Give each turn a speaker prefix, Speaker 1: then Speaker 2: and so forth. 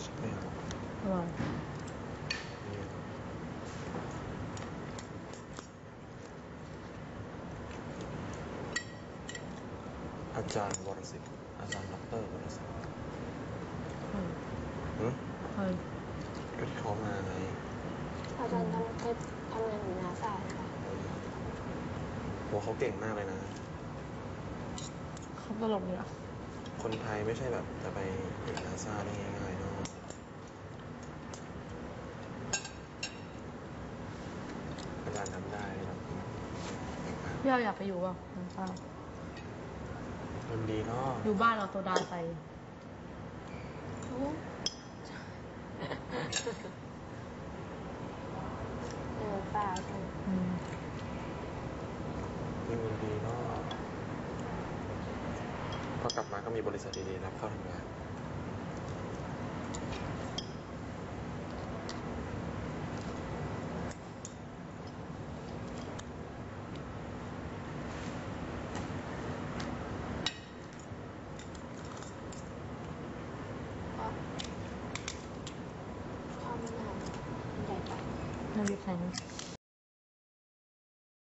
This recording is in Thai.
Speaker 1: ไม่เอา
Speaker 2: อร่อย
Speaker 1: อาจารย์วรศิษฐ์อาจารย์ดรวรศิษฐ์
Speaker 2: ใช่
Speaker 1: ก็ที่เขามาไง
Speaker 3: อาจารย์เคยทำงานอยู่นาซาใช่ไหม
Speaker 1: โหเขาเก่งมากเลยนะ
Speaker 2: เขาตลกเนี่ย
Speaker 1: คนไทยไม่ใช่แบบจะไปเอกนาซาได้ง่ายๆเนาะอาจารย์ทำได้แบบเก่งมาก
Speaker 2: พี่เราอยากไปอยู่ป่ะน้ำตา
Speaker 1: มันดีเนาะ
Speaker 2: อยู่บ้านเราโซดาใส่
Speaker 3: ป่ากัน
Speaker 1: นี่มันดีเนาะพอกลับมาก็มีบริษัทดีๆรับเข้าทำงาน
Speaker 3: ชอบมากใหญ่ไป
Speaker 2: น้ำพริกแข็ง